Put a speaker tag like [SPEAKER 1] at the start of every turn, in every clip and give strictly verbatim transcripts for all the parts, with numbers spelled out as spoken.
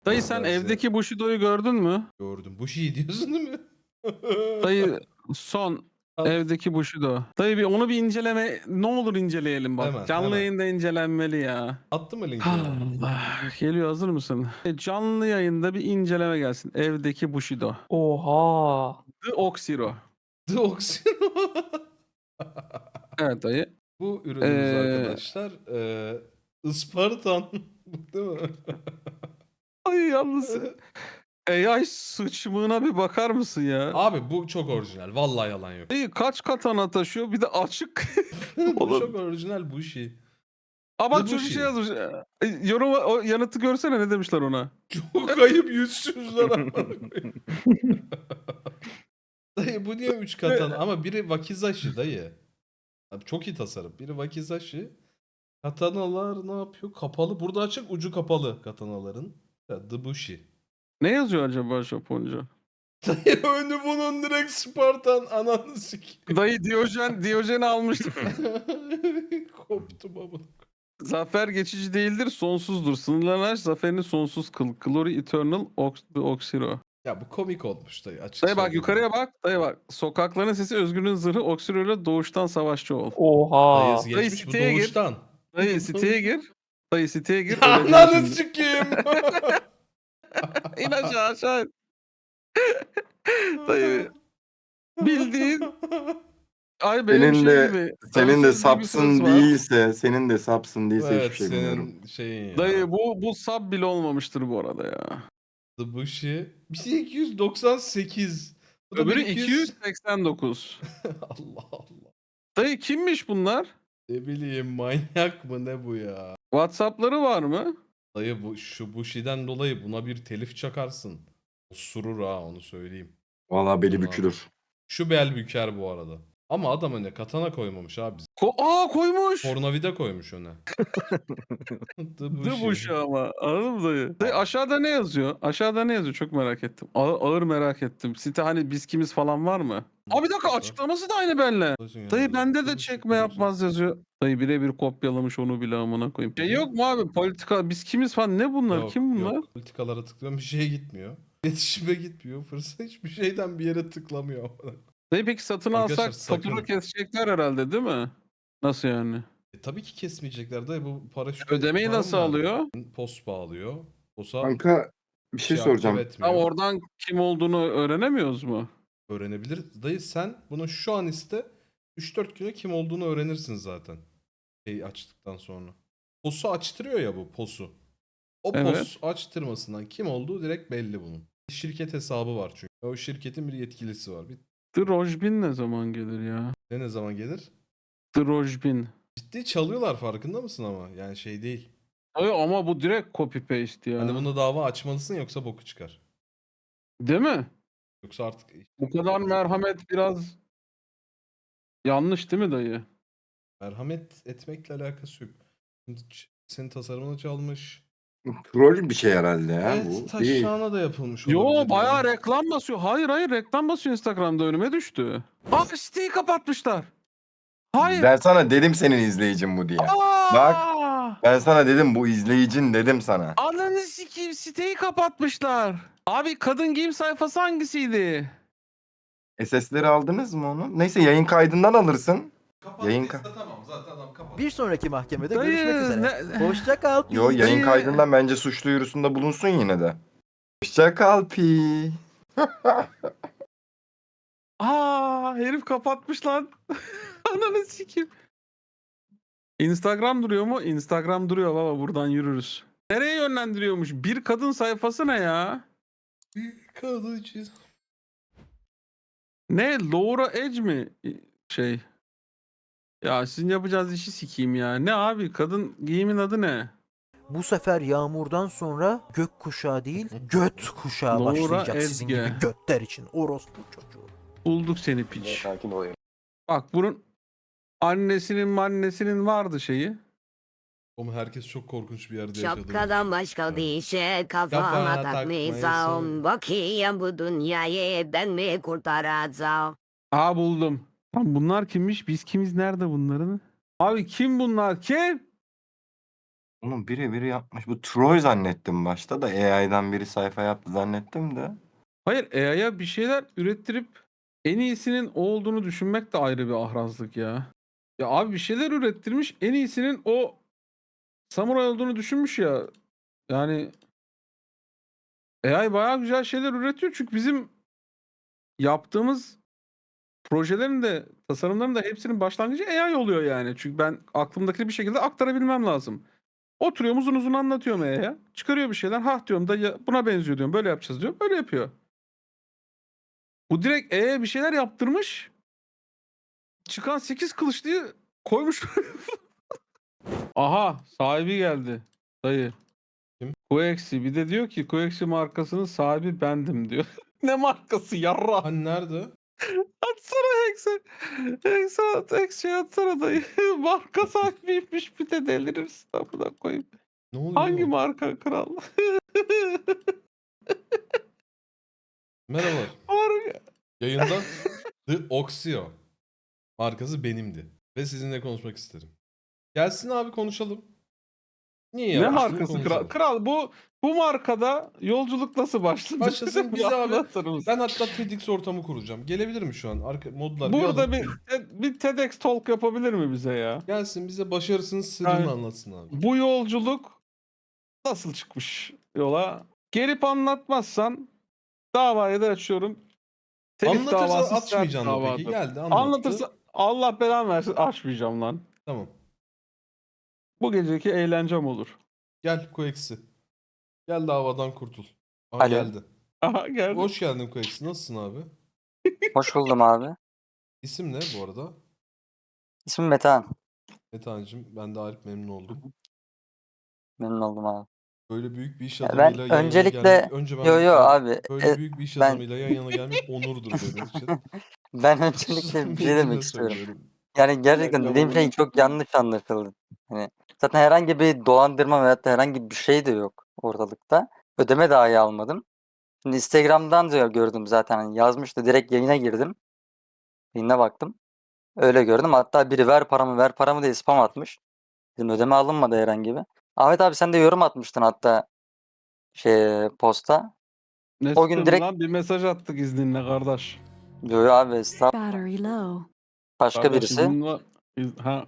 [SPEAKER 1] Dayı
[SPEAKER 2] Nasıl
[SPEAKER 1] sen
[SPEAKER 2] derse
[SPEAKER 1] evdeki Bushido'yu gördün mü?
[SPEAKER 2] gördüm. Bu şey diyorsun değil mi?
[SPEAKER 1] Dayı son
[SPEAKER 2] At.
[SPEAKER 1] evdeki Bushido. Dayı bir onu bir inceleme ne olur inceleyelim bak.
[SPEAKER 2] Hemen
[SPEAKER 1] Canlı
[SPEAKER 2] hemen.
[SPEAKER 1] yayında incelenmeli ya.
[SPEAKER 2] Attın mı linkini?
[SPEAKER 1] Allah. Geliyor hazır mısın? E, Canlı yayında bir inceleme gelsin. Evdeki Bushido.
[SPEAKER 3] Oha!
[SPEAKER 1] The Oxiro.
[SPEAKER 2] Deoksino.
[SPEAKER 1] Evet dayı.
[SPEAKER 2] Bu ürünümüz
[SPEAKER 1] Ee,
[SPEAKER 2] arkadaşlar eee Ispartan. Değil mi?
[SPEAKER 1] ay yalnız A I sıçmığına bir bakar mısın ya?
[SPEAKER 2] Abi bu çok orijinal. Vallahi yalan yok.
[SPEAKER 1] Dayı kaç katana taşıyor bir de açık.
[SPEAKER 2] Bu
[SPEAKER 1] Oğlum.
[SPEAKER 2] çok orijinal bu şey.
[SPEAKER 1] Aa bak
[SPEAKER 2] The
[SPEAKER 1] çocuk şey
[SPEAKER 2] Bushi.
[SPEAKER 1] yazmış. E, Yorum o yanıtı görsene ne demişler ona.
[SPEAKER 2] Çok ayıp yüzsüzler amına koyayım. Dayı bu niye üç katana? Ama biri Wakizashi dayı. Abi çok iyi tasarım. Biri Wakizashi. Katanalar ne yapıyor? Kapalı. Burada açık ucu kapalı katanaların. Ya, The Bushi.
[SPEAKER 1] Ne yazıyor acaba Japonca?
[SPEAKER 2] Dayı önü bunun direkt Spartan ananı sikeyim.
[SPEAKER 1] Dayı Diyojen, Diyojen'i almıştım.
[SPEAKER 2] Koptum amına.
[SPEAKER 1] Zafer geçici değildir, sonsuzdur. Sınırlarını aş, zaferini sonsuz kıl. Glory eternal, ox, the Oxiro.
[SPEAKER 2] Ya bu komik olmuş dayı açık
[SPEAKER 1] Dayı bak
[SPEAKER 2] söyleyeyim.
[SPEAKER 1] yukarıya bak. Dayı bak. Sokakların sesi özgürlüğün zırhı, Oxiro ile doğuştan savaşçı ol.
[SPEAKER 3] Oha!
[SPEAKER 2] Dayı
[SPEAKER 1] Dayı
[SPEAKER 2] geçmiş bu
[SPEAKER 1] siteye gir.
[SPEAKER 2] doğuştan.
[SPEAKER 1] Dayı siteye gir. Dayı siteye gir.
[SPEAKER 2] Ya
[SPEAKER 1] öleceksin
[SPEAKER 2] ananı
[SPEAKER 1] şimdi.
[SPEAKER 2] sikeyim.
[SPEAKER 1] İn aşağı aşağı. in. Dayı bildiğin ay benim
[SPEAKER 4] Senin
[SPEAKER 1] şey
[SPEAKER 4] de
[SPEAKER 1] gibi.
[SPEAKER 4] senin de
[SPEAKER 1] Sonsuz diye bir ses
[SPEAKER 4] sapsın
[SPEAKER 1] var.
[SPEAKER 4] değilse, senin de sapsın değilse
[SPEAKER 2] Evet
[SPEAKER 4] hiçbir şey bilmiyorum.
[SPEAKER 2] senin şeyin ya.
[SPEAKER 1] Dayı bu bu sub bile olmamıştır bu arada ya.
[SPEAKER 2] The Bushi. Bir şey iki yüz doksan sekiz. Bu da
[SPEAKER 1] Öbürü
[SPEAKER 2] bir iki yüz.
[SPEAKER 1] iki yüz seksen dokuz.
[SPEAKER 2] Allah Allah.
[SPEAKER 1] Dayı kimmiş bunlar?
[SPEAKER 2] Ne bileyim manyak mı ne bu ya?
[SPEAKER 1] WhatsApp'ları var mı?
[SPEAKER 2] Dayı bu şu Bushi'den dolayı buna bir telif çakarsın. Osurur ha onu söyleyeyim.
[SPEAKER 4] Vallahi beli
[SPEAKER 2] Ulan.
[SPEAKER 4] bükülür.
[SPEAKER 2] Şu bel büker bu arada. Ama adam öne katana koymamış abi.
[SPEAKER 1] Ko Aa koymuş.
[SPEAKER 2] Pornavida koymuş öne. The
[SPEAKER 1] The Bush ama. Anladın mı dayı? Dayı aşağıda ne yazıyor? Aşağıda ne yazıyor? Çok merak ettim. Ağır, ağır merak ettim. Site hani biz kimiz falan var mı? Abi bir dakika açıklaması da aynı benle. Dayı bende de çekme yapmaz yazıyor. Dayı birebir kopyalamış onu bile amına koyayım. Şey yok mu abi politika biz kimiz falan ne bunlar?
[SPEAKER 2] Yok,
[SPEAKER 1] Kim bunlar?
[SPEAKER 2] Yok. Politikalara tıklıyorum bir şeye gitmiyor. İletişime gitmiyor. Fırsat hiçbir şeyden bir yere tıklamıyor.
[SPEAKER 1] Dayı peki satın
[SPEAKER 2] Arkadaşlar,
[SPEAKER 1] alsak fatura
[SPEAKER 2] sakın.
[SPEAKER 1] kesecekler herhalde değil mi? Nasıl yani?
[SPEAKER 2] E, tabii ki kesmeyecekler dayı bu paraşüt.
[SPEAKER 1] Ödemeyi
[SPEAKER 2] var
[SPEAKER 1] nasıl
[SPEAKER 2] mı?
[SPEAKER 1] alıyor?
[SPEAKER 2] Post bağlıyor. Posa
[SPEAKER 4] Kanka bir şey
[SPEAKER 2] şey
[SPEAKER 4] soracağım.
[SPEAKER 2] aktive
[SPEAKER 1] Ha,
[SPEAKER 2] etmiyor.
[SPEAKER 1] oradan kim olduğunu öğrenemiyoruz mu?
[SPEAKER 2] Öğrenebilir. Dayı sen bunu şu an iste üç dört güne kim olduğunu öğrenirsin zaten. Şey açtıktan sonra. Posu açtırıyor ya bu posu. O
[SPEAKER 1] Evet.
[SPEAKER 2] pos açtırmasından kim olduğu direkt belli bunun. Şirket hesabı var çünkü. O şirketin bir yetkilisi var. Bir
[SPEAKER 1] Drojbin ne zaman gelir ya?
[SPEAKER 2] ne ne zaman gelir?
[SPEAKER 1] Drojbin.
[SPEAKER 2] Ciddi çalıyorlar farkında mısın ama? Yani şey değil.
[SPEAKER 1] Ay ama bu direkt copy paste ya.
[SPEAKER 2] Hani bunda dava açmalısın yoksa boku çıkar.
[SPEAKER 1] Değil mi?
[SPEAKER 2] Yoksa artık
[SPEAKER 1] Bu kadar merhamet biraz yanlış değil mi dayı?
[SPEAKER 2] merhamet etmekle alakası yok. Şimdi ç- senin tasarımını çalmış.
[SPEAKER 4] Troll bir şey herhalde ya
[SPEAKER 2] Evet
[SPEAKER 4] bu. Değil.
[SPEAKER 2] taşağına da yapılmış
[SPEAKER 1] Yo
[SPEAKER 2] olabilir
[SPEAKER 1] bayağı
[SPEAKER 2] yani.
[SPEAKER 1] reklam basıyor. Hayır hayır reklam basıyor Instagram'da önüme düştü. Aa siteyi kapatmışlar. Hayır.
[SPEAKER 4] Ben sana dedim senin izleyicin bu diye.
[SPEAKER 1] Aa!
[SPEAKER 4] Bak. Ben sana dedim bu izleyicin dedim sana.
[SPEAKER 1] Ananı sikeyim siteyi kapatmışlar. Abi kadın giyim sayfası hangisiydi?
[SPEAKER 4] S S'leri aldınız mı onu? Neyse yayın kaydından alırsın. Yayın ka-
[SPEAKER 2] Kapattıysa tamam zaten adam kapat.
[SPEAKER 5] Bir sonraki mahkemede
[SPEAKER 1] Dayı,
[SPEAKER 5] görüşmek üzere.
[SPEAKER 1] ne-
[SPEAKER 5] Hoşça kal.
[SPEAKER 4] Yo yayın
[SPEAKER 1] Dayı-
[SPEAKER 4] kaydından bence suç duyurusunda bulunsun yine de. Hoşça kal pi.
[SPEAKER 1] Aa herif kapatmış lan. Ananı sikeyim. Instagram duruyor mu? Instagram duruyor baba buradan yürürüz. Nereye yönlendiriyormuş? Bir kadın sayfası ne ya?
[SPEAKER 2] Kadıcı.
[SPEAKER 1] Ne? Laura Edge mi? Şey. Ya sizin yapacağınız işi sikeyim ya. Ne abi? Kadın giyimin adı ne?
[SPEAKER 5] Bu sefer yağmurdan sonra gök kuşağı değil, göt kuşağı
[SPEAKER 1] Laura
[SPEAKER 5] başlayacak sizin
[SPEAKER 1] Ezge.
[SPEAKER 5] gibi götler için. Orospu çocuğu.
[SPEAKER 1] Bulduk seni piç.
[SPEAKER 4] Sakin ol.
[SPEAKER 1] Bak bunun annesinin annesinin vardı şeyi.
[SPEAKER 2] Oğlum herkes çok korkunç bir yerde yaşadı.
[SPEAKER 6] Şapkadan başka bir şey kafama
[SPEAKER 2] Kafana
[SPEAKER 6] takmayacağım.
[SPEAKER 2] takmayasın.
[SPEAKER 6] Bakayım bu dünyayı ben mi kurtaracağım?
[SPEAKER 1] Aa buldum. Lan bunlar kimmiş? Biz kimiz? Nerede bunların? Abi kim bunlar? Kim?
[SPEAKER 4] Onu biri biri yapmış. Bu Troy zannettim başta da A I'dan biri sayfa yaptı zannettim de.
[SPEAKER 1] Hayır, A I'ya bir şeyler ürettirip en iyisinin o olduğunu düşünmek de ayrı bir ahrazlık ya. Ya abi bir şeyler ürettirmiş, en iyisinin o samuray olduğunu düşünmüş ya. Yani A I bayağı güzel şeyler üretiyor çünkü bizim yaptığımız projelerin de tasarımların da hepsinin başlangıcı A I oluyor yani. Çünkü ben aklımdakini bir şekilde aktarabilmem lazım. Oturuyorum uzun uzun anlatıyorum A I'ya. Çıkarıyor bir şeyler. Hah diyorum da ya buna benziyor diyorum. Böyle yapacağız diyorum. Öyle yapıyor. Bu direkt A I'ye bir şeyler yaptırmış. Çıkan sekiz kılıçlıyı koymuş. Aha sahibi geldi. Dayı.
[SPEAKER 2] Kim?
[SPEAKER 1] Koeksi. Bir de diyor ki Koeksi markasının sahibi bendim diyor. Ne markası yarra?
[SPEAKER 2] Hani nerede?
[SPEAKER 1] Atsana Hex'e. Hex'e at. Hex şey atsana dayı. Marka sahibiymiş bir de delirirsin. Amına koyayım.
[SPEAKER 2] Ne oluyor
[SPEAKER 1] Hangi
[SPEAKER 2] oğlum?
[SPEAKER 1] marka kral?
[SPEAKER 2] Merhabalar.
[SPEAKER 1] Marka.
[SPEAKER 2] Yayında The Oxio markası benimdi. Ve sizinle konuşmak isterim. Gelsin abi konuşalım. Niye
[SPEAKER 1] Ne
[SPEAKER 2] yapmıştım
[SPEAKER 1] markası kral?
[SPEAKER 2] konuşalım.
[SPEAKER 1] Kral bu bu markada yolculuk nasıl başladı?
[SPEAKER 2] Başlasın
[SPEAKER 1] Bir
[SPEAKER 2] bize abi.
[SPEAKER 1] anlatır mısın?
[SPEAKER 2] Ben hatta TEDx ortamı kuracağım. Gelebilir mi şu an? Arka, modlar bir
[SPEAKER 1] Burada
[SPEAKER 2] alın.
[SPEAKER 1] bir bir TEDx talk yapabilir mi bize ya?
[SPEAKER 2] Gelsin bize başarısının sırrını
[SPEAKER 1] Yani-
[SPEAKER 2] anlatsın abi.
[SPEAKER 1] Bu yolculuk nasıl çıkmış yola? Gelip anlatmazsan davayı da açıyorum. Telif
[SPEAKER 2] Anlatırsa
[SPEAKER 1] davası sert
[SPEAKER 2] açmayacaksın da peki.
[SPEAKER 1] davadır.
[SPEAKER 2] Geldi anlattı.
[SPEAKER 1] Anlatırsa Allah belanı versin açmayacağım lan.
[SPEAKER 2] Tamam.
[SPEAKER 1] Bu geceki eğlencem olur.
[SPEAKER 2] Gel Koeksi. Gel davadan kurtul. Aha
[SPEAKER 3] Alo.
[SPEAKER 2] geldi.
[SPEAKER 1] Aha geldi.
[SPEAKER 2] Hoş geldin Koeksi. Nasılsın abi?
[SPEAKER 3] Hoş buldum abi.
[SPEAKER 2] İsim ne bu arada?
[SPEAKER 3] İsmim Metehan.
[SPEAKER 2] Metehan'cığım ben de Arif memnun oldum.
[SPEAKER 3] Memnun oldum abi.
[SPEAKER 2] Böyle büyük bir iş
[SPEAKER 3] Ya ben
[SPEAKER 2] adamıyla yan yana
[SPEAKER 3] öncelikle-
[SPEAKER 2] gelmek... Önce ben
[SPEAKER 3] Yo yo abi.
[SPEAKER 2] Böyle
[SPEAKER 3] e,
[SPEAKER 2] büyük bir iş
[SPEAKER 3] ben-
[SPEAKER 2] adamıyla yan yana gelmek onurdur benim için.
[SPEAKER 3] ben öncelikle bir şey
[SPEAKER 2] Samimiyetimle
[SPEAKER 3] demek istiyorum.
[SPEAKER 2] söylüyorum.
[SPEAKER 3] Yani gerçekten
[SPEAKER 1] dakika,
[SPEAKER 3] dediğim
[SPEAKER 1] bu-
[SPEAKER 3] şey çok yanlış anlaşıldı. Hani zaten herhangi bir dolandırma veyahut da herhangi bir şey de yok ortalıkta. Ödeme dahi almadım. Şimdi Instagram'dan da gördüm zaten. Hani yazmıştı. Direkt yayına girdim. Yayına baktım. Öyle gördüm. Hatta biri ver paramı ver paramı diye spam atmış. Dedim ödeme alınmadı herhangi bir. Ahmet abi sen de yorum atmıştın hatta şey posta.
[SPEAKER 1] Ne
[SPEAKER 3] O gün
[SPEAKER 1] spamı
[SPEAKER 3] direkt-
[SPEAKER 1] lan? Bir mesaj attık izninle kardeş.
[SPEAKER 3] Yo yo abi estağfurullah.
[SPEAKER 7] Battery low.
[SPEAKER 3] Başka
[SPEAKER 1] Kardeş
[SPEAKER 3] birisi.
[SPEAKER 1] iznin var. İz- Ha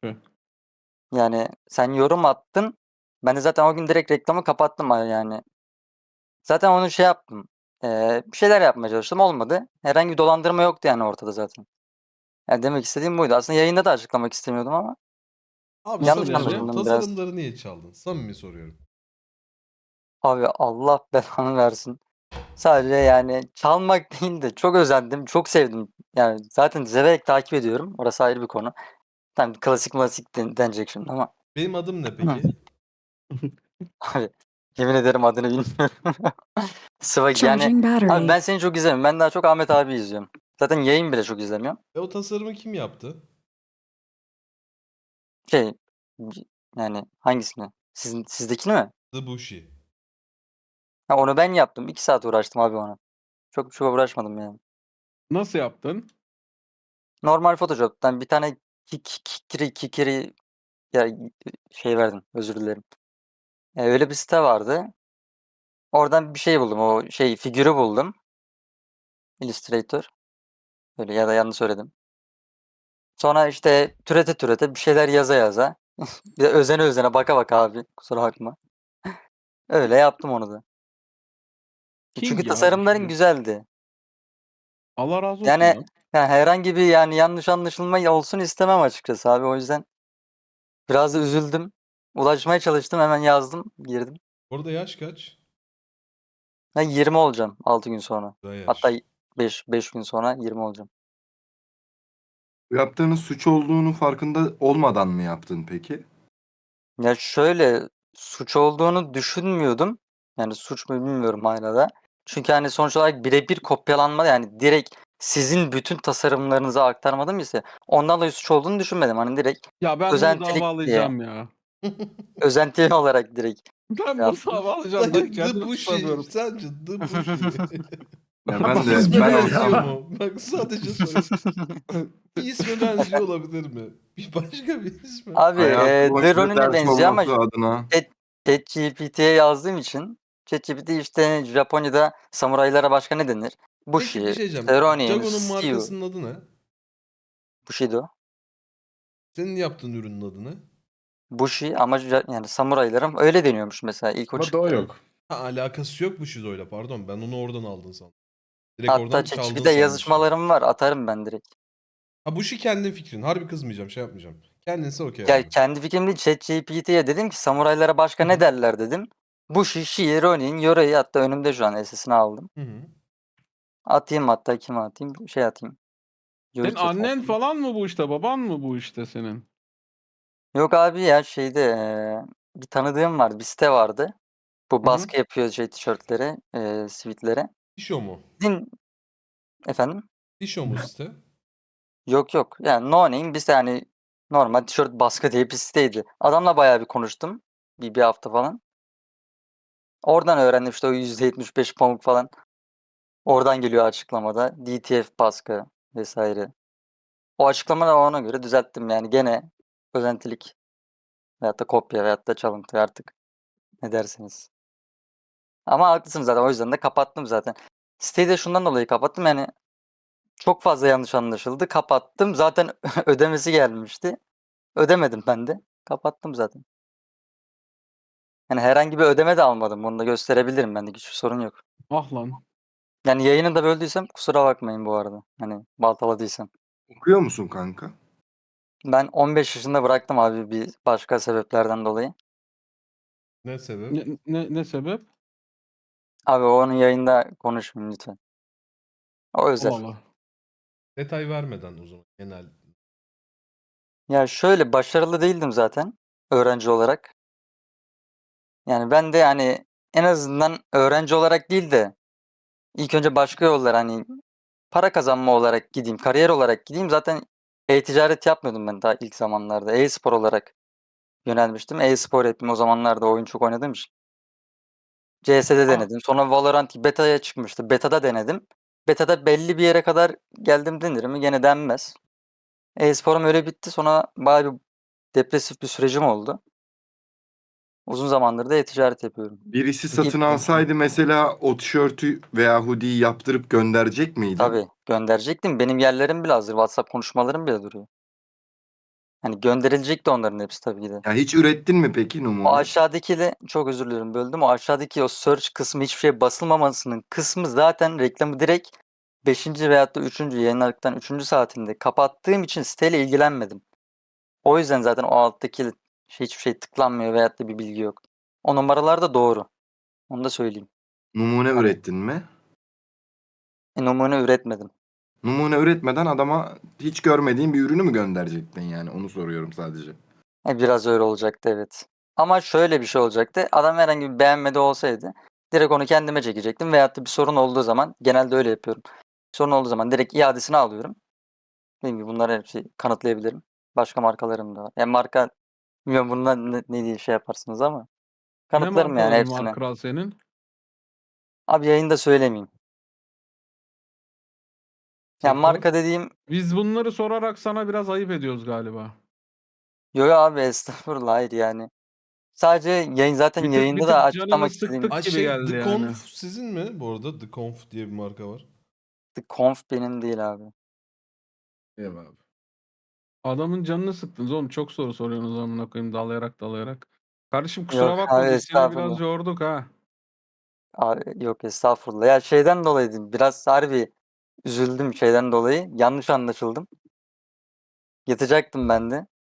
[SPEAKER 3] Yani sen yorum attın. Ben de zaten o gün direkt reklamı kapattım abi yani. Zaten onu şey yaptım. Eee, bir şeyler yapmaya çalıştım. Olmadı. Herhangi bir dolandırma yoktu yani ortada zaten. Yani demek istediğim buydu. Aslında yayında da açıklamak istemiyordum ama
[SPEAKER 2] Abi
[SPEAKER 3] Yanlış
[SPEAKER 2] samimi
[SPEAKER 1] anlaşıldım
[SPEAKER 2] soruyorum.
[SPEAKER 3] biraz.
[SPEAKER 2] Tasarımları niye çaldın? Samimi soruyorum.
[SPEAKER 3] abi Allah belanı versin. Sadece yani çalmak değil de çok özendim. Çok sevdim. Yani zaten severek takip ediyorum. Orası ayrı bir konu. Tamam klasik klasik den- denecek şimdi ama
[SPEAKER 2] Benim adım ne peki?
[SPEAKER 3] abi yemin ederim adını bilmiyorum. Swag yani
[SPEAKER 7] Charging battery.
[SPEAKER 3] abi ben seni çok izlemiyorum. Ben daha çok Ahmet abi izliyorum. Zaten yayın bile çok izlemiyorum.
[SPEAKER 2] E o tasarımı kim yaptı?
[SPEAKER 3] Şey yani hangisini? Sizin, sizdekini mi?
[SPEAKER 2] The Bushi.
[SPEAKER 3] Ha, onu ben yaptım. iki saat uğraştım abi ona. Çok çok uğraşmadım yani.
[SPEAKER 1] nasıl yaptın?
[SPEAKER 3] Normal Photoshop'tan bir tane kik- kikiri kikiri ya şey verdim. Özür dilerim. E, öyle bir site vardı. Oradan bir şey buldum. O şey figürü buldum. Illustrator. Öyle ya da yanlış söyledim. Sonra işte türete türete bir şeyler yaza yaza. Bir de özene özene baka baka abi. Kusura bakma. Öyle yaptım onu da.
[SPEAKER 1] King
[SPEAKER 3] Çünkü
[SPEAKER 1] ya,
[SPEAKER 3] tasarımların
[SPEAKER 1] şimdi.
[SPEAKER 3] güzeldi.
[SPEAKER 1] Allah razı olsun.
[SPEAKER 3] Yani
[SPEAKER 1] lan.
[SPEAKER 3] yani herhangi bir yani yanlış anlaşılma olsun istemem açıkçası abi. O yüzden biraz da üzüldüm. Ulaşmaya çalıştım. Hemen yazdım. Girdim.
[SPEAKER 2] Orada yaş kaç?
[SPEAKER 3] Ben yirmi olacağım altı gün sonra.
[SPEAKER 2] Güzel yaş.
[SPEAKER 3] Hatta beş beş gün sonra yirmi olacağım.
[SPEAKER 4] Yaptığınız suç olduğunu farkında olmadan mı yaptın peki?
[SPEAKER 3] Ya şöyle suç olduğunu düşünmüyordum. Yani suç mu bilmiyorum hala da. Çünkü hani sonuç olarak birebir kopyalanma yani direkt sizin bütün tasarımlarınızı aktarmadım ise ondan dolayı suç olduğunu düşünmedim. Hani direkt
[SPEAKER 1] Ya ben
[SPEAKER 3] özentilik
[SPEAKER 1] bunu
[SPEAKER 3] diye.
[SPEAKER 1] davalayacağım ya.
[SPEAKER 3] özenti olarak direkt.
[SPEAKER 1] Ben
[SPEAKER 3] Ya-
[SPEAKER 1] bunu davalayacağım.
[SPEAKER 2] Dayı,
[SPEAKER 1] Ben
[SPEAKER 2] The
[SPEAKER 1] kendimi
[SPEAKER 2] Bushi.
[SPEAKER 1] tutamıyorum.
[SPEAKER 2] Sence The Bushi.
[SPEAKER 4] Ya ben de
[SPEAKER 2] İsme
[SPEAKER 4] ben
[SPEAKER 2] benziyor
[SPEAKER 4] olsam
[SPEAKER 2] mu? Bak sadece soruyorum. Bir isme benziyor olabilir mi? Başka bir ismi.
[SPEAKER 3] Abi
[SPEAKER 4] Hayatım
[SPEAKER 3] e,
[SPEAKER 4] boyunca
[SPEAKER 3] The Ronin'e
[SPEAKER 4] ders
[SPEAKER 3] benziyor ama
[SPEAKER 4] olması adına.
[SPEAKER 3] ChatGPT'ye yazdığım için ChatGPT işte Japonya'da samuraylara başka ne denir?
[SPEAKER 2] Peki bir
[SPEAKER 3] Bushi,
[SPEAKER 2] şey diyeceğim.
[SPEAKER 3] işte Ronin,
[SPEAKER 2] Jago'nun
[SPEAKER 3] Steel,
[SPEAKER 2] markasının adı ne?
[SPEAKER 3] Bushido.
[SPEAKER 2] Senin yaptığın ürünün adı ne?
[SPEAKER 3] Bushi ama ja- yani samuraylarım öyle deniyormuş mesela ilk o
[SPEAKER 4] Ama da o
[SPEAKER 3] çıktı.
[SPEAKER 4] yok.
[SPEAKER 2] Ha, alakası yok bu Shido'yla pardon. Ben onu oradan aldın sandım. Direkt
[SPEAKER 3] Hatta
[SPEAKER 2] oradan çaldın
[SPEAKER 3] ChatGPT'de
[SPEAKER 2] sanmıştım.
[SPEAKER 3] yazışmalarım var atarım ben direkt.
[SPEAKER 2] Ha bu şey kendin fikrin. Harbi kızmayacağım, şey yapmayacağım. Kendinse okey
[SPEAKER 3] Ya
[SPEAKER 2] abi.
[SPEAKER 3] kendi fikrim değil ChatGPT'ye dedim ki samuraylara başka
[SPEAKER 2] Hı
[SPEAKER 3] ne
[SPEAKER 2] hı.
[SPEAKER 3] derler dedim. Bushi, Shii, Ronin, Yoroi hatta önümde şu an S S'ini aldım.
[SPEAKER 2] Hı hı.
[SPEAKER 3] Atayım hatta kime atayım? Şey atayım.
[SPEAKER 1] Senin
[SPEAKER 3] Yuri Chat'e
[SPEAKER 1] annen
[SPEAKER 3] atayım.
[SPEAKER 1] falan mı bu işte? Baban mı bu işte senin?
[SPEAKER 3] Yok abi ya şeyde eee, bir tanıdığım var. Bir site vardı. Bu
[SPEAKER 1] Hı hı.
[SPEAKER 3] baskı yapıyor şey tişörtlere, eee sivitlere.
[SPEAKER 2] Dişo mu?
[SPEAKER 3] Din efendim?
[SPEAKER 2] Dişo mu site?
[SPEAKER 3] Yok yok. Yani no name bir yani normal tişört baskı diye bir siteydi. Adamla bayağı bir konuştum. Bir, bir hafta falan. Oradan öğrendim işte o yüzde yetmiş beş pamuk falan. Oradan geliyor açıklamada. D T F baskı vesaire. O açıklamaları ona göre düzelttim yani gene özentilik veyahut da kopya veyahut da çalıntı artık ne dersiniz. Ama haklısınız zaten o yüzden de kapattım zaten. Siteyi de şundan dolayı kapattım yani çok fazla yanlış anlaşıldı. Kapattım. Zaten ödemesi gelmişti. Ödemedim ben de. Kapattım zaten. Yani herhangi bir ödeme de almadım. Bunu da gösterebilirim ben de. Hiçbir sorun yok.
[SPEAKER 1] Ah lan.
[SPEAKER 3] Yani yayını da böldüysem kusura bakmayın bu arada. Hani baltaladıysam.
[SPEAKER 4] Okuyor musun kanka?
[SPEAKER 3] Ben on beş yaşında bıraktım abi bir başka sebeplerden dolayı.
[SPEAKER 2] Ne sebep?
[SPEAKER 1] Ne, ne, ne sebep?
[SPEAKER 3] Abi onun yayında konuşmayayım lütfen. O özel.
[SPEAKER 1] Allah Allah.
[SPEAKER 2] Detay vermeden o zaman genel.
[SPEAKER 3] Ya şöyle başarılı değildim zaten öğrenci olarak. Yani ben de yani en azından öğrenci olarak değil de ilk önce başka yollar hani para kazanma olarak gideyim, kariyer olarak gideyim. Zaten e-ticaret yapmıyordum ben daha ilk zamanlarda. E-spor olarak yönelmiştim. E-spor ettim o zamanlarda oyun çok oynadığım için. C S'de
[SPEAKER 1] Ah,
[SPEAKER 3] denedim. Sonra Valorant beta'ya çıkmıştı. Beta'da denedim. Beta'da belli bir yere kadar geldim denir mi? Gene denmez. E-sporum öyle bitti. Sonra bayağı bir depresif bir sürecim oldu. Uzun zamandır da e-ticaret yapıyorum.
[SPEAKER 4] Birisi
[SPEAKER 3] İki
[SPEAKER 4] satın alsaydı mesela o tişörtü veya hoodiyi yaptırıp gönderecek miydin?
[SPEAKER 3] tabii gönderecektim. Benim yerlerim bile hazır. WhatsApp konuşmalarım bile duruyor. Hani gönderilecekti onların hepsi tabii ki de.
[SPEAKER 4] Ya hiç ürettin mi peki
[SPEAKER 3] O
[SPEAKER 4] numune?
[SPEAKER 3] aşağıdaki de çok özür dilerim böldüm. O aşağıdaki o search kısmı hiçbir şey basılmamasının kısmı zaten reklamı direkt beşinci veyahut da üçüncü yayınladıktan üçüncü saatinde kapattığım için siteyle ilgilenmedim. O yüzden zaten o alttaki şey hiçbir şey tıklanmıyor veyahut da bir bilgi yok. O numaralar da doğru. Onu da söyleyeyim.
[SPEAKER 4] Numune
[SPEAKER 3] Hani
[SPEAKER 4] ürettin mi?
[SPEAKER 3] e, numune üretmedim.
[SPEAKER 4] Numune üretmeden adama hiç görmediğin bir ürünü mü gönderecektin yani? Onu soruyorum sadece.
[SPEAKER 3] E, biraz öyle olacaktı evet. Ama şöyle bir şey olacaktı. Adam herhangi bir beğenmedi olsaydı direkt onu kendime çekecektim veyahut da bir sorun olduğu zaman genelde öyle yapıyorum. Sorun olduğu zaman direkt iadesini alıyorum. Dediğim gibi bunları hepsi kanıtlayabilirim. Başka markalarım da var. Yani marka bilmiyorum bundan ne, ne diye şey yaparsınız ama
[SPEAKER 1] ne
[SPEAKER 3] kanıtlarım yani
[SPEAKER 1] markaların var
[SPEAKER 3] hepsine.
[SPEAKER 1] kral senin?
[SPEAKER 3] Abi yayında söylemeyeyim. Yani
[SPEAKER 2] Sektör.
[SPEAKER 3] marka dediğim
[SPEAKER 1] Biz bunları sorarak sana biraz ayıp ediyoruz galiba.
[SPEAKER 3] yo yo abi estağfurullah hayır yani. Sadece yayın zaten
[SPEAKER 1] Bir tık bir
[SPEAKER 3] yayında da
[SPEAKER 1] tık canını
[SPEAKER 3] açıklamak istediğim
[SPEAKER 1] sıktık
[SPEAKER 2] Ay
[SPEAKER 1] gibi
[SPEAKER 2] şey
[SPEAKER 1] geldi
[SPEAKER 2] The
[SPEAKER 1] yani.
[SPEAKER 2] Conf sizin mi bu arada? The Conf diye bir marka var.
[SPEAKER 3] The Conf benim değil abi.
[SPEAKER 4] Eyvallah.
[SPEAKER 1] Adamın canını sıktınız oğlum. Çok soru soruyorsunuz amına koyayım dalayarak dalayarak. Kardeşim kusura
[SPEAKER 3] Yok
[SPEAKER 1] bakma
[SPEAKER 3] abi
[SPEAKER 1] biz seni biraz
[SPEAKER 3] estağfurullah.
[SPEAKER 1] yorduk ha.
[SPEAKER 3] Abi yok estağfurullah. Ya şeyden dolayı değil, biraz harbi üzüldüm şeyden dolayı. Yanlış anlaşıldım. Yatacaktım ben de.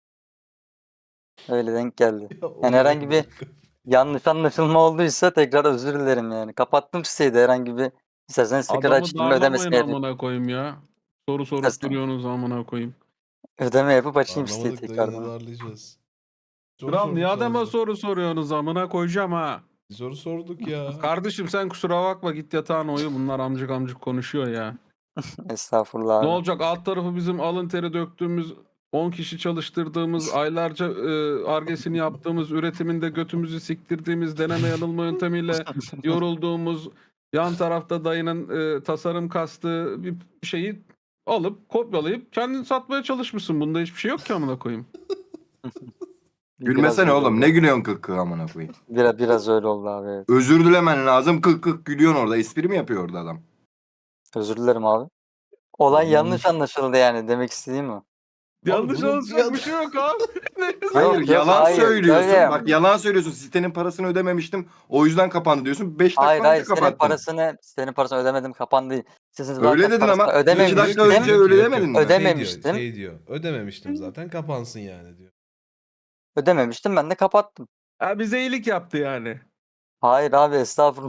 [SPEAKER 3] Öyle denk geldi.
[SPEAKER 2] Ya o
[SPEAKER 3] Yani
[SPEAKER 2] ne
[SPEAKER 3] herhangi bir
[SPEAKER 2] alaka?
[SPEAKER 3] yanlış anlaşılma olduysa tekrar özür dilerim yani. Kapattım siteyi de herhangi bir isterseniz tekrar
[SPEAKER 1] Adamı
[SPEAKER 3] açayım
[SPEAKER 1] darlamayın
[SPEAKER 3] ödemesini yapayım.
[SPEAKER 1] amına koyayım ya. Soru sorup
[SPEAKER 3] İstersen
[SPEAKER 1] duruyorsunuz amına koyayım.
[SPEAKER 3] ödeme yapıp açayım siteyi
[SPEAKER 2] Darlamadık dayı ne
[SPEAKER 3] tekrardan.
[SPEAKER 2] darlayacağız. Soru
[SPEAKER 1] Kral niye
[SPEAKER 2] sorduk
[SPEAKER 1] adama
[SPEAKER 2] sadece.
[SPEAKER 1] soru soruyorsunuz amına koyacağım ha.
[SPEAKER 2] Soru sorduk ya.
[SPEAKER 1] Kardeşim sen kusura bakma git yatağına uyu. Bunlar amcık amcık konuşuyor ya.
[SPEAKER 3] Estağfurullah
[SPEAKER 1] Ne
[SPEAKER 3] abi.
[SPEAKER 1] olacak alt tarafı bizim alın teri döktüğümüz on kişi çalıştırdığımız aylarca e, argesini yaptığımız üretiminde götümüzü siktirdiğimiz deneme yanılma yöntemiyle yorulduğumuz yan tarafta dayının e, tasarım kastığı bir şeyi alıp kopyalayıp kendini satmaya çalışmışsın. Bunda hiçbir şey yok ki amına koyayım.
[SPEAKER 4] Gülmesene
[SPEAKER 3] Biraz öyle
[SPEAKER 4] oğlum.
[SPEAKER 3] oldu.
[SPEAKER 4] Ne gülüyorsun kık kık amına koyayım.
[SPEAKER 3] Biraz, biraz öyle oldu abi, evet.
[SPEAKER 4] Özür dilemen lazım. Kık kık gülüyorsun orada. Espri mi yapıyor orada adam?
[SPEAKER 3] Özür dilerim abi. Olay
[SPEAKER 2] Oğlum,
[SPEAKER 3] yanlış anlaşıldı yani, demek istediğim o.
[SPEAKER 1] Yanlış
[SPEAKER 2] bunun
[SPEAKER 1] anlatacak
[SPEAKER 2] ya-
[SPEAKER 1] bir şey yok abi.
[SPEAKER 4] Hayır
[SPEAKER 3] Yok, yok,
[SPEAKER 4] yalan
[SPEAKER 3] hayır,
[SPEAKER 4] söylüyorsun.
[SPEAKER 3] öyle.
[SPEAKER 4] Bak yalan söylüyorsun. Sitenin parasını ödememiştim. O yüzden kapandı diyorsun. beş
[SPEAKER 3] Hayır
[SPEAKER 4] dakika
[SPEAKER 3] hayır,
[SPEAKER 4] önce
[SPEAKER 3] senin
[SPEAKER 4] kapattın.
[SPEAKER 3] parasını senin parasını ödemedim, kapandı. Sizin
[SPEAKER 4] Öyle
[SPEAKER 3] zaten
[SPEAKER 4] dedin
[SPEAKER 3] parasını
[SPEAKER 4] ama iki
[SPEAKER 3] ödememiştim.
[SPEAKER 4] dakika
[SPEAKER 2] Diyor ki-
[SPEAKER 4] önce
[SPEAKER 2] diyor ki
[SPEAKER 4] öyle
[SPEAKER 2] yok,
[SPEAKER 4] demedin
[SPEAKER 2] yok.
[SPEAKER 4] mi?
[SPEAKER 3] Ödeme-
[SPEAKER 2] Şey diyor,
[SPEAKER 3] Ödememiştim.
[SPEAKER 2] şey diyor. Ödememiştim zaten kapansın yani diyor.
[SPEAKER 3] Ödememiştim, ben de kapattım.
[SPEAKER 1] Ha, bize iyilik yaptı yani.
[SPEAKER 3] Hayır abi, estağfurullah.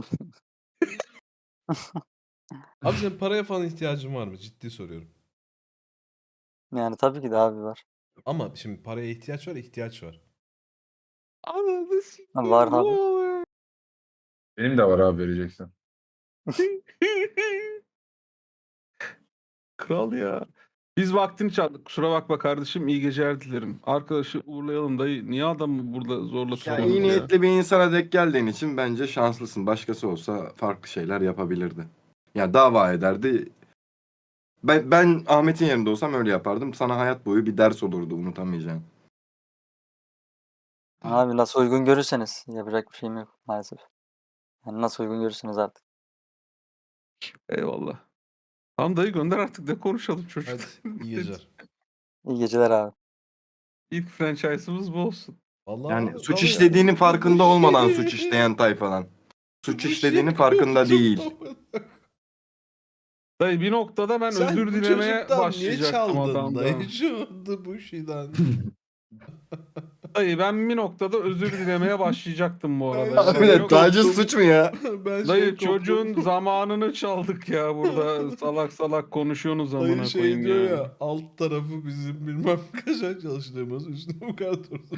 [SPEAKER 2] Abi senin paraya falan ihtiyacın var mı? Ciddi soruyorum.
[SPEAKER 3] Yani tabii ki de abi var.
[SPEAKER 2] Ama şimdi paraya ihtiyaç var, ihtiyaç var.
[SPEAKER 1] Ananı sikeyim.
[SPEAKER 3] Var
[SPEAKER 1] ne
[SPEAKER 3] abi.
[SPEAKER 1] oluyor?
[SPEAKER 7] Benim de var abi vereceksen.
[SPEAKER 1] Kral ya. Biz vaktini çaldık. Kusura bakma kardeşim. İyi geceler dilerim. Arkadaşı uğurlayalım dayı. Niye adamı burada zorla
[SPEAKER 4] Ya
[SPEAKER 1] tutuyorsunuz
[SPEAKER 4] iyi
[SPEAKER 1] ya?
[SPEAKER 4] niyetli bir insana denk geldiğin için bence şanslısın. Başkası olsa farklı şeyler yapabilirdi. Ya dava ederdi. Ben, ben Ahmet'in yerinde olsam öyle yapardım. Sana hayat boyu bir ders olurdu unutamayacağın.
[SPEAKER 3] Abi nasıl uygun görürseniz, yapacak bir şeyim yok maalesef. Yani nasıl uygun görürseniz artık.
[SPEAKER 1] Eyvallah. Tamam dayı gönder artık. Ne konuşalım çocuk.
[SPEAKER 2] Hadi iyi geceler.
[SPEAKER 3] İyi geceler abi.
[SPEAKER 1] İlk franchise'ımız bu olsun.
[SPEAKER 2] Vallahi
[SPEAKER 4] Yani suç
[SPEAKER 2] vallahi
[SPEAKER 4] işlediğinin
[SPEAKER 2] yani-
[SPEAKER 4] farkında olmadan suç işleyen tayfadan. Suç
[SPEAKER 2] Bu
[SPEAKER 4] işlediğinin
[SPEAKER 2] şey
[SPEAKER 4] farkında
[SPEAKER 2] koptu.
[SPEAKER 4] değil.
[SPEAKER 1] Dayı bir noktada ben
[SPEAKER 2] Sen
[SPEAKER 1] özür
[SPEAKER 2] bu
[SPEAKER 1] dilemeye
[SPEAKER 2] çocuktan niye
[SPEAKER 1] başlayacaktım
[SPEAKER 2] çaldın
[SPEAKER 1] adamdan.
[SPEAKER 2] dayı şu bu şeyden?
[SPEAKER 1] Dayı ben bir noktada özür dilemeye başlayacaktım bu arada.
[SPEAKER 2] Ben
[SPEAKER 1] Yani
[SPEAKER 2] şey
[SPEAKER 4] Abi
[SPEAKER 1] yok-
[SPEAKER 4] taciz suç mu ya?
[SPEAKER 2] ben şey
[SPEAKER 1] Dayı
[SPEAKER 2] koptum.
[SPEAKER 1] çocuğun zamanını çaldık ya burada. Salak salak konuşuyorsunuz amına
[SPEAKER 2] Dayı şey
[SPEAKER 1] koyayım
[SPEAKER 2] diyor
[SPEAKER 1] ya.
[SPEAKER 2] ya, alt tarafı bizim bilmem kaçak çalıştığımız üstüne bu kadar durdu.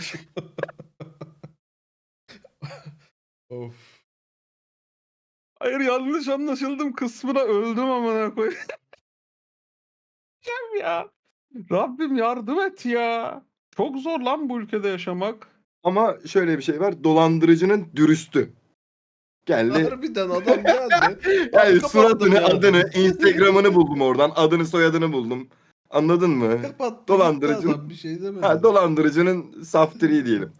[SPEAKER 2] Of.
[SPEAKER 1] Hayır yanlış anlaşıldım kısmına öldüm amına koyayım. ya. Rabbim yardım et ya. Çok zor lan bu ülkede yaşamak.
[SPEAKER 4] Ama şöyle bir şey var. Dolandırıcının dürüstü. Geldi.
[SPEAKER 2] Harbiden adam geldi.
[SPEAKER 4] Yani
[SPEAKER 2] kapattım
[SPEAKER 4] suratını,
[SPEAKER 2] ya.
[SPEAKER 4] adını, Instagram'ını buldum oradan. Adını, soyadını buldum. Anladın mı?
[SPEAKER 2] Kapattı
[SPEAKER 4] Dolandırıcı-
[SPEAKER 2] gitti adam, bir şey demedi.
[SPEAKER 4] Ha, dolandırıcının saftiri diyelim.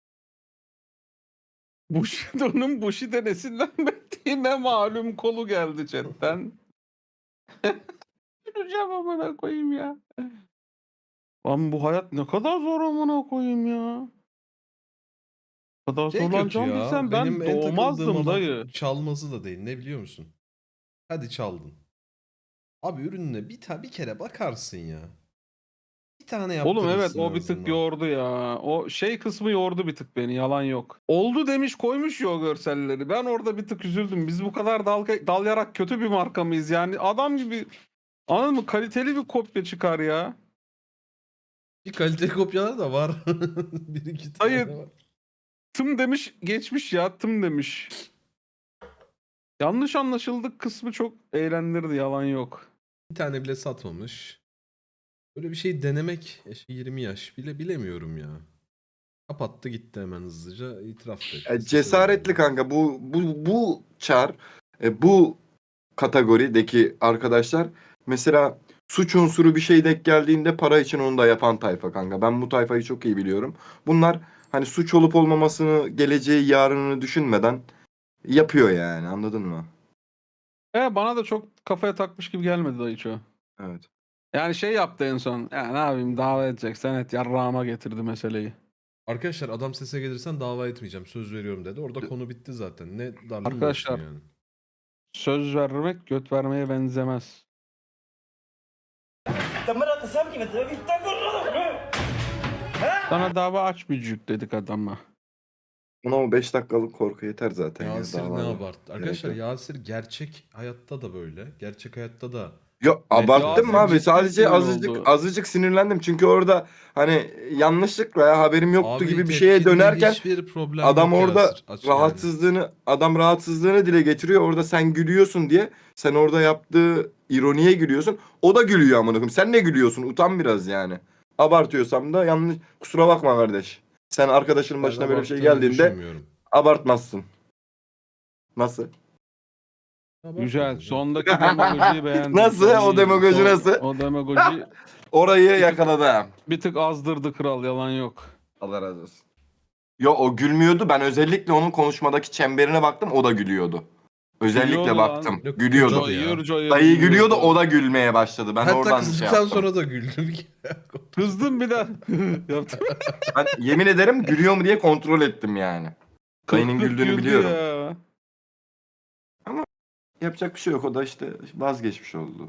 [SPEAKER 1] Bushido'nun Bushido esinlenmediğine malum kolu geldi chatten. Güleceğim amına koyayım ya. Lan bu hayat ne kadar zor amına koyayım ya. Bu kadar
[SPEAKER 2] Şey kötü
[SPEAKER 1] zorlanacağımı
[SPEAKER 2] ya.
[SPEAKER 1] bilsem ben
[SPEAKER 2] Benim en takıldığım
[SPEAKER 1] doğmazdım
[SPEAKER 2] olan
[SPEAKER 1] dayı.
[SPEAKER 2] çalması da değil. Ne biliyor musun? Hadi çaldın. Abi ürününe bir, ta bir kere bakarsın ya. Bir tane yaptırırsın
[SPEAKER 1] Oğlum evet
[SPEAKER 2] en
[SPEAKER 1] o bir
[SPEAKER 2] azından.
[SPEAKER 1] tık yordu ya. O şey kısmı yordu bir tık beni yalan yok. Oldu demiş koymuş ya o görselleri. Ben orada bir tık üzüldüm. Biz bu kadar dal, dal yarak kötü bir marka mıyız yani? Adam gibi anladın mı? Kaliteli bir kopya çıkar ya.
[SPEAKER 2] Bir kalite kopyalar da var. bir iki tane
[SPEAKER 1] Hayır.
[SPEAKER 2] var.
[SPEAKER 1] Tım demiş geçmiş ya tım demiş. Yanlış anlaşıldık kısmı çok eğlendirdi yalan yok.
[SPEAKER 2] Bir tane bile satmamış. Böyle bir şey denemek yaşı yirmi yaş bile bilemiyorum ya. Kapattı gitti hemen hızlıca itiraf da etti.
[SPEAKER 4] Ya cesaretli kanka. Bu bu bu çar, e, bu kategorideki arkadaşlar mesela suç unsuru bir şey denk geldiğinde para için onu da yapan tayfa kanka. Ben bu tayfayı çok iyi biliyorum. Bunlar hani suç olup olmamasını, geleceği, yarınını düşünmeden yapıyor yani. Anladın mı?
[SPEAKER 1] E, bana da çok kafaya takmış gibi gelmedi dayı çoğu.
[SPEAKER 4] Evet.
[SPEAKER 1] Yani şey yaptı en son. Ya ne yapayım davet edeceksen et yarrağıma getirdi meseleyi.
[SPEAKER 2] Arkadaşlar adam sese gelirsen dava etmeyeceğim söz veriyorum dedi. Orada konu bitti zaten. Ne darlığın
[SPEAKER 1] Arkadaşlar,
[SPEAKER 2] olsun yani.
[SPEAKER 1] Söz vermek göt vermeye benzemez. Sana dava açmayacak dedik adama.
[SPEAKER 4] Ona o beş dakikalık korku yeter zaten. ya,
[SPEAKER 2] Yasir ne
[SPEAKER 4] davada.
[SPEAKER 2] abarttı. Arkadaşlar
[SPEAKER 4] yok.
[SPEAKER 2] Yasir gerçek hayatta da böyle. Gerçek hayatta da.
[SPEAKER 4] Yok abarttım
[SPEAKER 1] Yasir
[SPEAKER 4] abi.
[SPEAKER 1] ciddi
[SPEAKER 4] Sadece
[SPEAKER 1] sinir
[SPEAKER 4] azıcık
[SPEAKER 1] oldu.
[SPEAKER 4] azıcık sinirlendim. Çünkü orada hani yanlışlıkla ya haberim yoktu
[SPEAKER 2] Abi
[SPEAKER 4] gibi bir şeye
[SPEAKER 2] tepkinde
[SPEAKER 4] dönerken
[SPEAKER 2] hiçbir problem
[SPEAKER 4] adam
[SPEAKER 2] yok
[SPEAKER 4] orada
[SPEAKER 2] Yasir. Aç yani.
[SPEAKER 4] rahatsızlığını adam rahatsızlığını dile getiriyor. Orada sen gülüyorsun diye sen orada yaptığı ironiye gülüyorsun. O da gülüyor amına koyayım. Sen ne gülüyorsun? Utan biraz yani. Abartıyorsam da yanlış kusura bakma kardeş. Sen arkadaşının
[SPEAKER 2] Ben
[SPEAKER 4] başına böyle bir şey
[SPEAKER 2] abarttığını
[SPEAKER 4] geldiğinde
[SPEAKER 2] düşünmüyorum.
[SPEAKER 4] abartmazsın. Nasıl?
[SPEAKER 2] Abartma
[SPEAKER 1] Güzel.
[SPEAKER 2] canım.
[SPEAKER 1] Sondaki demagojiyi beğendim.
[SPEAKER 4] Nasıl?
[SPEAKER 1] Son
[SPEAKER 4] O
[SPEAKER 1] iyi.
[SPEAKER 4] demagoji
[SPEAKER 1] Son-
[SPEAKER 4] nasıl?
[SPEAKER 1] O demagoji
[SPEAKER 4] Orayı yakaladı.
[SPEAKER 1] bir tık azdırdı kral, yalan yok.
[SPEAKER 4] Allah razı olsun. Yo o gülmüyordu. Ben özellikle onun konuşmadaki çemberine baktım. O da gülüyordu. Özellikle
[SPEAKER 1] Gülüyordu lan.
[SPEAKER 4] baktım.
[SPEAKER 2] Yok,
[SPEAKER 4] Gülüyordu.
[SPEAKER 2] gülüyordu ya.
[SPEAKER 1] Coyur coyur
[SPEAKER 4] Dayı gülüyordu. O da gülmeye başladı. Ben
[SPEAKER 2] Hatta
[SPEAKER 4] oradan şey
[SPEAKER 2] kızdıktan
[SPEAKER 4] yaptım.
[SPEAKER 2] sonra da güldüm.
[SPEAKER 1] Kızdım bir daha. Yaptım.
[SPEAKER 4] Ben yemin ederim gülüyor mu diye kontrol ettim yani. Dayının
[SPEAKER 1] Kırk
[SPEAKER 4] güldüğünü
[SPEAKER 1] güldü
[SPEAKER 4] biliyorum.
[SPEAKER 1] ya.
[SPEAKER 4] Yapacak bir şey yok. O da işte vazgeçmiş oldu.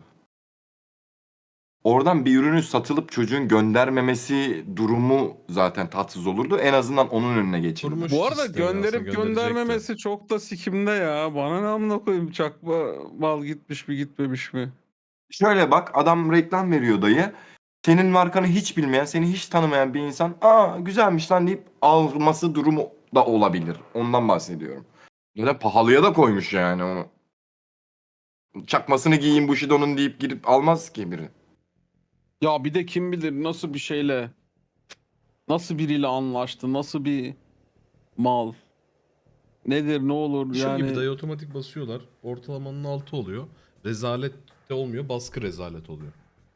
[SPEAKER 4] Oradan bir ürünü satılıp çocuğun göndermemesi durumu zaten tatsız olurdu. En azından onun önüne geçildi.
[SPEAKER 2] Kurmuş
[SPEAKER 1] Bu arada
[SPEAKER 2] sistemi aslında,
[SPEAKER 1] gönderip
[SPEAKER 2] gönderecekti.
[SPEAKER 1] göndermemesi çok da sikimde ya. Bana ne amına koyayım, çakma mal gitmiş mi gitmemiş mi?
[SPEAKER 4] Şöyle bak adam reklam veriyor dayı. Senin markanı hiç bilmeyen, seni hiç tanımayan bir insan aa güzelmiş lan deyip alması durumu da olabilir. Ondan bahsediyorum. Ya da pahalıya da koymuş yani onu. Çakmasını giyeyim Bushido'nun deyip girip almaz ki biri.
[SPEAKER 1] Ya bir de kim bilir nasıl bir şeyle, nasıl biriyle anlaştı, nasıl bir mal. Nedir ne olur
[SPEAKER 2] Şu
[SPEAKER 1] yani.
[SPEAKER 2] gibi dayı otomatik basıyorlar. Ortalamanın altı oluyor. Rezalet de olmuyor. Baskı rezalet oluyor.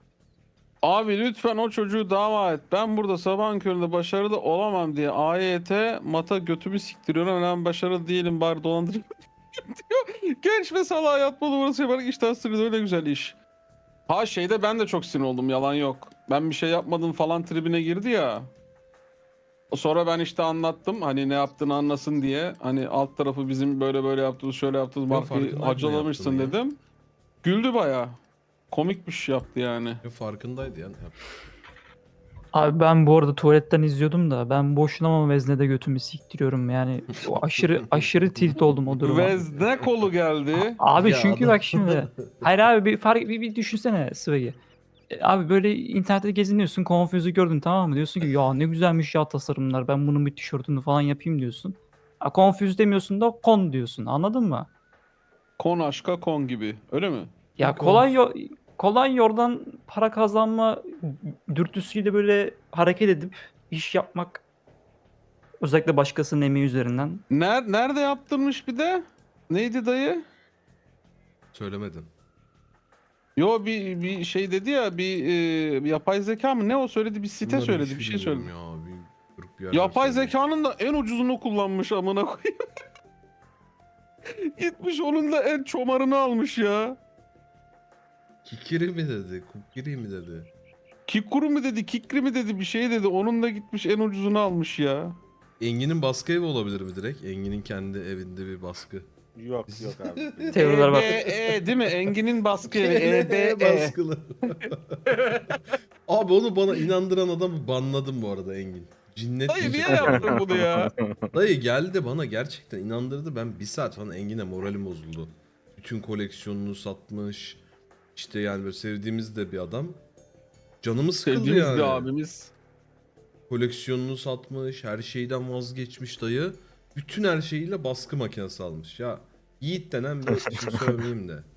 [SPEAKER 1] Abi lütfen o çocuğu dava et. Ben burada sabahın köründe başarılı olamam diye A Y T mata götümü siktiriyorum. Ben başarılı değilim bari dolandırayım diyor. Genç ve salağa yatma numarası yaparak işten sırrı öyle güzel iş. Ha şeyde ben de çok sinir oldum, yalan yok. Ben bir şey yapmadım falan tribine girdi ya. Sonra ben işte anlattım hani ne yaptığını anlasın diye. Hani alt tarafı bizim böyle böyle yaptığımız şöyle yaptığımız
[SPEAKER 2] Yok,
[SPEAKER 1] markayı
[SPEAKER 2] farkındayım ne
[SPEAKER 1] hacalamışsın
[SPEAKER 2] yaptığını ya.
[SPEAKER 1] dedim. Güldü bayağı. Komik bir şey yaptı yani.
[SPEAKER 2] Ya farkındaydı yani.
[SPEAKER 8] Abi ben bu arada tuvaletten izliyordum da ben boşuna ama veznede götümü siktiriyorum yani o aşırı aşırı tilt oldum o duruma.
[SPEAKER 1] Vezne kolu geldi.
[SPEAKER 8] Abi
[SPEAKER 2] Ya
[SPEAKER 8] çünkü
[SPEAKER 2] adam-
[SPEAKER 8] bak şimdi hayır abi bir fark bir, bir düşünsene Swag'i. E, Abi böyle internette geziniyorsun, Confuse'u gördün tamam mı? Diyorsun ki ya ne güzelmiş ya tasarımlar, ben bunun bir tişörtünü falan yapayım diyorsun. Ha, Confuse demiyorsun da Con diyorsun, anladın mı?
[SPEAKER 1] Kon aşka kon gibi. Öyle mi?
[SPEAKER 8] Ya
[SPEAKER 2] Yok,
[SPEAKER 8] kolay yo- kolay yoldan para kazanma dürtüsüyle böyle hareket edip iş yapmak, özellikle başkasının emeği üzerinden.
[SPEAKER 1] Ner nerede yaptırmış bir de? Neydi dayı?
[SPEAKER 2] Söylemedin.
[SPEAKER 1] Yo bir bir şey dedi ya, bir e, yapay zeka mı ne o söyledi, bir site
[SPEAKER 2] Bunları
[SPEAKER 1] söyledi,
[SPEAKER 2] hiç
[SPEAKER 1] bir şey
[SPEAKER 2] bilmiyorum
[SPEAKER 1] söyledi.
[SPEAKER 2] Ya, bir, grup bir yerden
[SPEAKER 1] Yapay
[SPEAKER 2] söyledi.
[SPEAKER 1] zekanın da en ucuzunu kullanmış amına koyayım. Gitmiş onun da en çomarını almış ya.
[SPEAKER 2] Kikiri mi dedi? Kukiri mi dedi?
[SPEAKER 1] Kikuru mu dedi, kikri mi dedi, bir şey dedi. Onun da gitmiş en ucuzunu almış ya.
[SPEAKER 2] Engin'in baskı evi olabilir mi direkt? Engin'in kendi evinde bir baskı.
[SPEAKER 9] Yok yok abi.
[SPEAKER 8] Teoriler var.
[SPEAKER 1] E, B, E değil mi? Engin'in baskı evi. E, B, E.
[SPEAKER 2] Baskılı. Abi onu bana inandıran adamı banladım bu arada Engin. Cinnet
[SPEAKER 1] Dayı niye
[SPEAKER 2] diyecek.
[SPEAKER 1] yaptın bunu ya?
[SPEAKER 2] Dayı geldi bana gerçekten inandırdı. Ben bir saat falan Engin'e moralim bozuldu. Bütün koleksiyonunu satmış. İşte yani böyle sevdiğimiz de bir adam. Canımı sıkıldı
[SPEAKER 1] Sevdiğimiz
[SPEAKER 2] yani.
[SPEAKER 1] bir abimiz.
[SPEAKER 2] Koleksiyonunu satmış. Her şeyden vazgeçmiş dayı. Bütün her şeyiyle baskı makinesi almış. Ya Yiğit denen bir şimdi sövmeyeyim de.